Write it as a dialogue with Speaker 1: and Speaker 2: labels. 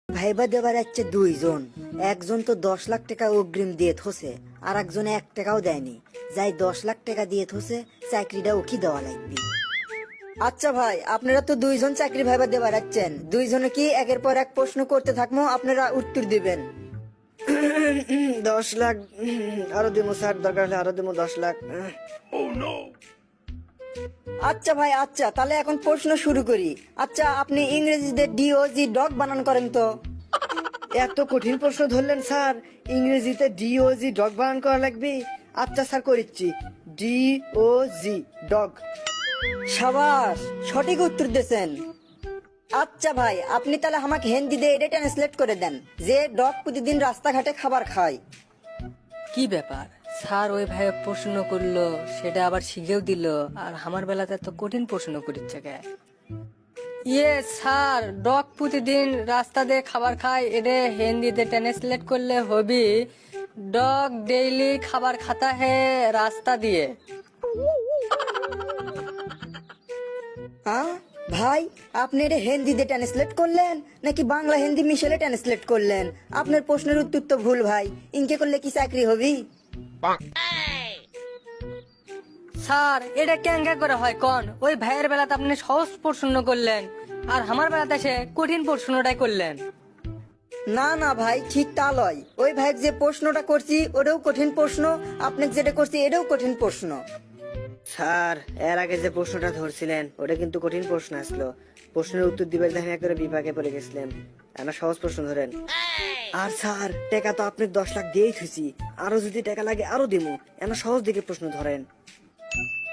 Speaker 1: Viva দেবার যাচ্ছে দুইজন, একজন তো 10 লাখ টাকা অগ্রিম দিয়ে থসে, আর একজনে 1 টাকাও দেয়নি। যাই 10 লাখ টাকা দিয়ে থসে, চাকরিটা ওকে দেওয়া লাগবে। আচ্ছা ভাই, আপনারা তো দুইজন চাকরি ভাইবা দেবার যাচ্ছেন, দুইজনে কি একের পর এক প্রশ্ন করতে থাকবো, আপনারা উত্তর দিবেন। 10 লাখ আরো দেবো স্যার, দরকার হলে আরো দেবো 10 লাখ। আচ্ছা ভাই, আচ্ছা তাহলে এখন প্রশ্ন শুরু করি। আচ্ছা, আপনি ইংরেজিতে ডিওজি ডগ বানান করেন তো?
Speaker 2: এত কঠিন প্রশ্ন ধরলেন স্যার, ইংরেজিতে ডিওজি ডগ বানান করা লাগবে। আচ্ছা স্যার, করিচ্ছি। DOG dog.
Speaker 1: সাবাস, সঠিক উত্তর দিয়েছেন। আচ্ছা ভাই, আপনি তাহলে আমাকে হিন্দিতে এটা ট্রান্সলেট করে দেন যে ডগ প্রতিদিন রাস্তাঘাটে খাবার খায়।
Speaker 3: কি ব্যাপার স্যার, ওই ভাই প্রশ্ন করলো সেটা আবার শিখেও দিল, আর আমার বেলাতে এত কঠিন প্রশ্ন করিচ্ছে কে? ইয়ে স্যার, ডগ প্রতিদিন রাস্তা দিয়ে খাবার খায়, এটা হিন্দিতে ট্রান্সলেট করলে হবি ডগ ডেইলি খাবার খাতা হে রাস্তা দিয়ে।
Speaker 1: হ্যাঁ ভাই, আপনি এটা হিন্দিতে ট্রান্সলেট করলেন নাকি বাংলা হিন্দি মিশেলে ট্রান্সলেট করলেন? আপনার প্রশ্নের উত্তর তো ভুল ভাই, ইনকে করলে কি চাকরি হবি?
Speaker 3: স্যার, এটা কেঙ্গা করে হয় কন? ওই ভাইয়ের বেলাতে আপনি সহজ প্রশ্ন করলেন, আর আমার বেলাতে এসে কঠিন প্রশ্নটাই করলেন।
Speaker 1: না না ভাই, ঠিক তা লয়। ওই ভাই যে প্রশ্নটা করছি ওটাও কঠিন প্রশ্ন, আপনাকে যেটা করছি এটাও কঠিন প্রশ্ন।
Speaker 2: স্যার, এর আগে যে প্রশ্নটা ধরছিলেন ওটা কিন্তু কঠিন প্রশ্ন আসলো। প্রশ্নের উত্তর দিবার দেখেন একেবারে বিপাকে পড়ে গেছিলেন। একটা সহজ প্রশ্ন ধরেন। আর স্যার, টাকা তো আপনি 10 লাখ দিয়েই থুইছি, আরো যদি টাকা লাগে আরো দিমু। একটা সহজ দিকে প্রশ্ন ধরেন।